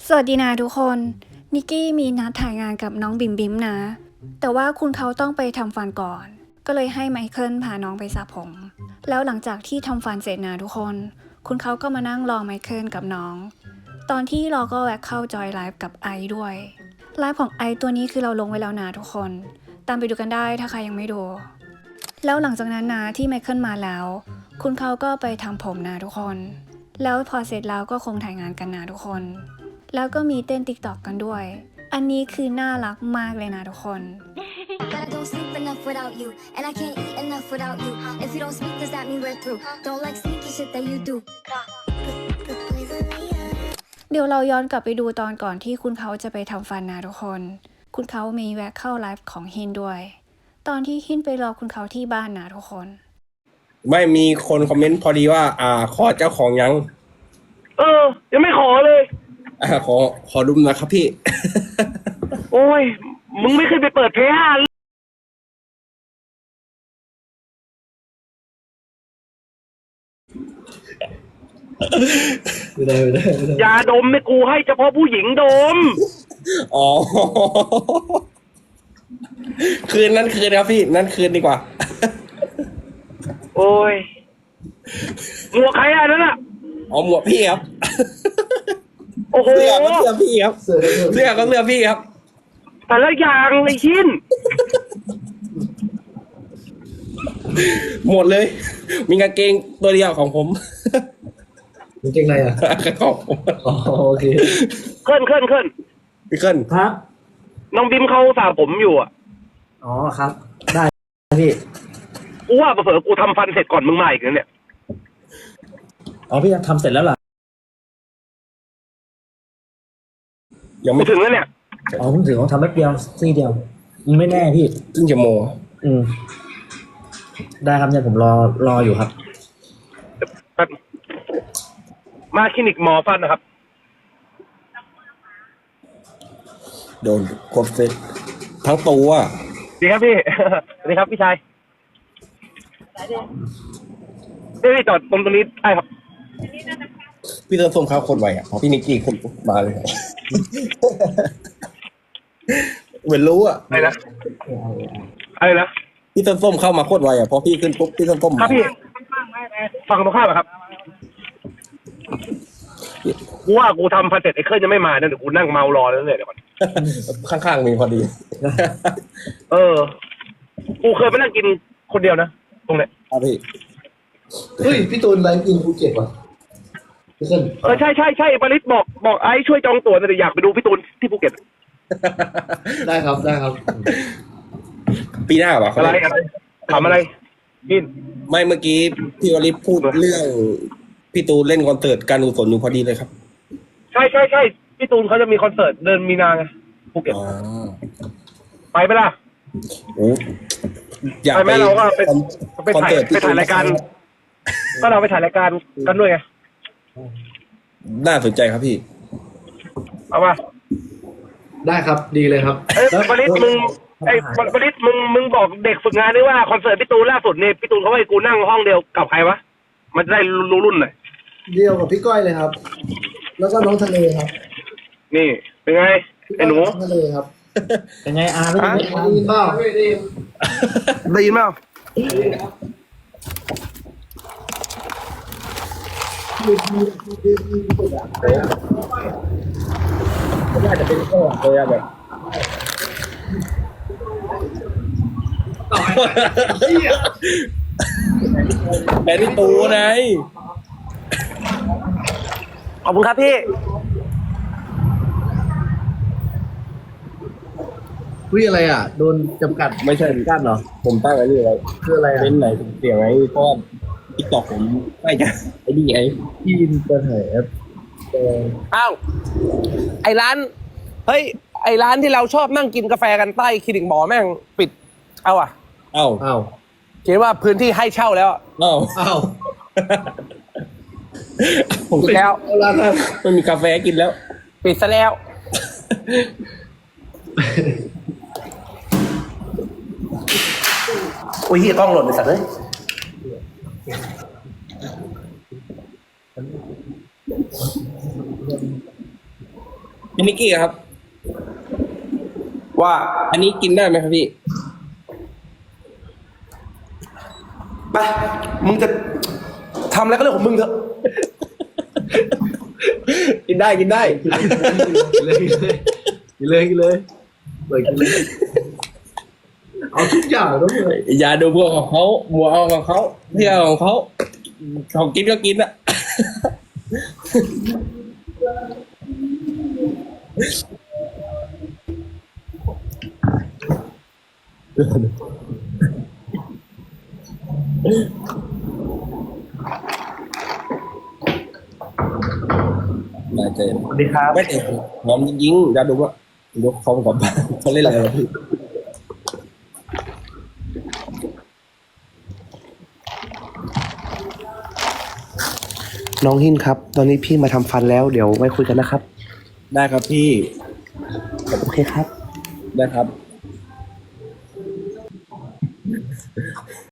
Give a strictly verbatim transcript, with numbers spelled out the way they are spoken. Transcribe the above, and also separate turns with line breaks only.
สวัสดีนะทุกคน นิกกี้มีนัดถ่ายงานกับน้องบิมบิมนะ แต่ว่าคุณเขาต้องไปทำฟันก่อน ก็เลยให้ไมเคิลพาน้องไปสระผม แล้วหลังจากที่ทำฟันเสร็จนะทุกคน คุณเขาก็มานั่งรอไมเคิลกับน้อง ตอนที่รอก็แวะเข้าจอยไลฟ์กับไอด้วย ไลฟ์ของไอตัวนี้คือเราลงไว้แล้วนะทุกคน ตามไปดูกันได้ถ้าใครยังไม่ดู แล้วหลังจากนั้นนะที่ไมเคิลมาแล้ว คุณเขาก็ไปทำผมนะทุกคน แล้วพอเสร็จแล้วก็คงถ่ายงานกันนะทุกคน แล้วก็มีเต้นติ๊กต็อกกันด้วย อันนี้คือน่ารักมากเลยนะทุกคน
But I don't sleep enough without you, and I can't eat enough without you. If you don't speak, does that mean we're through? Don't like sneaky shit that you do.
เดี๋ยวเราย้อนกลับไปดูตอนก่อนที่คุณเขาจะไปทำฟันนะทุกคน คุณเขามีแวะเข้าไลฟ์ของฮินด้วย ตอนที่ฮินไปรอคุณเขาที่บ้านนะทุกคน
ไม่มีคนคอมเมนต์พอดีว่า อ่า ขอเจ้าของยัง
เออ ยังไม่ขอเลย
อ่าขอขอดุมนะครับพี่
โอ้ย มึงไม่เคยไปเปิดเพลย์ห้า
ไม่ได้ไม่ได้ไม่ได้
ยาดมไม่กูให้เฉพาะผู้หญิงดม
อ๋อ คืนนั้นคืนครับพี่ นั่นคืนดีกว่า
โอ้ยหมวกใครอ่ะนั่นอ่ะ
อ๋อหมวกพี่ครับ
โอ้โห
เสื้อก็เสื้อพี่ครับ
เสือ
เสื้อก็เสื้อพี่ครับ
แต่ละอย่างไอ้ชิ้น
หมดเลย มีกางเกงตัวเดียวของผม
มันเก่งอะไรอ่ะ
ของผม
อ๋อโอเค
เคลื่อนเคลื่อนเคลื่อน
พี่เคิล
ครับ
น้องบิมเขาสระผมอยู่อ่ะ
อ๋อครับ ได้พี่
กูว่าเผลอๆกูทำฟันเสร็จก่อนมึงมาอีกนะเนี่ย
อ๋อพี่ทำเสร็จแล้วเหรอ
ยัง
กู
ไม่
ถึงแล้วเนี่ย
อ๋อผมถือว่าทำแป๊บเดียวซี่เดียวไม่แน่พี่
ครึ่งชั่วโมง
อืมได้ครับเนี่ยผมรอรออยู่ครับ
แป๊บมาคลินิกหมอฟันนะครับ
โดนกดเซ็ตทั้งตัว
ดีครับพี่ สวัสดีครับพี่ชายเดี๋ยวพี่จอดตรงตรงนี้ได้ครับ
พี่เติมส้มข้าวโคตรไวอ่ะพอพี่นิกกี้คนมาเลย เหมือนรู้อ่ะ
อะไรนะ อะไรนะ
พี่เติมส้มเข้ามาโคตรไวอ่ะพอพี่ขึ้นปุ๊บพี่เติมส้ม
ครั
มา
บพี่ ฟังตรงข้ามอะครับ กูว่ากูทำฟันเสร็จไอ้เครื่องยังไม่มาเนี่ยเดี๋ยวกูนั่งเมารอแล้วเนี่ยเดี๋ยวก่อน
ข้างๆมีพอดี
เออ กูเคยไปนั่งกินคนเดียวนะ ตรงเนี้ย
ครับพี่
เฮ้ยพี่ตูนไลฟ์กินภูเก็ตวะพี่ขึ้น
เออใช่ใช่ใช่ปริศบอกบอกไอ้ช่วยจองตั๋วหน่อยดิอยากไปดูพี่ตูนที่ภูเก็ต
ได้ครับได้ครับ
ปีหน้าป่ะ
อะไรอะไรถามอะไรกิน
ไม่เมื่อกี้พี่วริศพูดเรื่องพี่ตูนเล่นคอนเสิร์ตการกุศลอยู่พอดีเลยครับ
ใช่ใช่ใช่พี่ตูนเขาจะมีคอนเสิร์ตเดินมีนาไงภูเก็ต
อ๋อ
ไปไหมล่ะ
โอ้อยาก
ไปไหมเราก็ไป
คอน
ไป
คอน
ถ่าย
เสิร์ต
ไปถ่ายรายการ ก็เราไปถ่ายรายการกันด้วยไง
น่าสนใจครับพี่
เอามา
ได้ครับดีเลยครับ
เอ้ยปริศมึงไอ้ปริศมึงมึงบอกเด็กฝึกงานด้วยว่าคอนเสิร์ตพี่ตูนล่าสุดเนี่ยพี่ตูนเขาให้กูนั่งห้องเดียวกับใครวะมันจะได้รู้รุ่นหน่อย
เดียวกับพี่ก้อยเลยครับ แล้วก็น้องทะเลครับ
นี่เป็นไง
พี่ก้
ไอ้หนู
ยน้องทะเลครับ
เป็นไงอาไม่ได้ไหมอา
ได้ยินเปล่า
ได้ยินไหมอ่ะ
น่าจะเป็นข้อเลยอะแบบแบนนี่ตูไง
ขอบคุณครับพี่
คุยอะไรอ่ะโดนจำกัด
ไม่ใช่
กั้นเหรอ
ผมตั้งไอ้นี่ไว้
คืออะไรอ่ะ
เล่นไหนเสียงไว้เพราะว่าทิกตอกผมไม่จะไอ้นี่ไง
พี่ยินเปิดเผยแอปเออ
อ้าวไอ้ร้าน เฮ้ย ไอ้ร้านที่เราชอบนั่งกินกาแฟกันใต้คลินิกหมอแม่งปิด เอาอ่ะ
เอ้า
อ้าว
เขียนว่าพื้นที่ให้เช่าแล้วอะ
เอ้า
อ้าว
ผม
ปิดแล้ว
เอาละครับ
ไม่มีกาแฟกินแล้ว
ปิดซะแล้ว
โอ้ยเฮียกล้องหล่นไปสัตว์เลย
พี่นิกกี้ครับ
ว่า
อันนี้กินได้ไหมครับพี่
ไปมึงจะทำอะไรก็เรื่องของมึงเถอะ
กินได้กินได้
กินเลยกินเลยกินเลยกินเลยเปิดกินเลยเอาทุกอย่างต้องเลย
อย่าดูพวกของเขาบัวเอาของเขาเที่ยวของเขาของกินก็กินอะ ได้เจอ
สวัสดีครับ
ไม่แต่หอมจริงๆอย่าดูว่ายกคอมกับเขาเล่นอะไรวะพี่
น้องหินครับ ตอนนี้พี่มาทำฟันแล้วเดี๋ยวไว้คุยกันนะครับ
ได้ครับพี่
โอเคครับ
ได้ครับ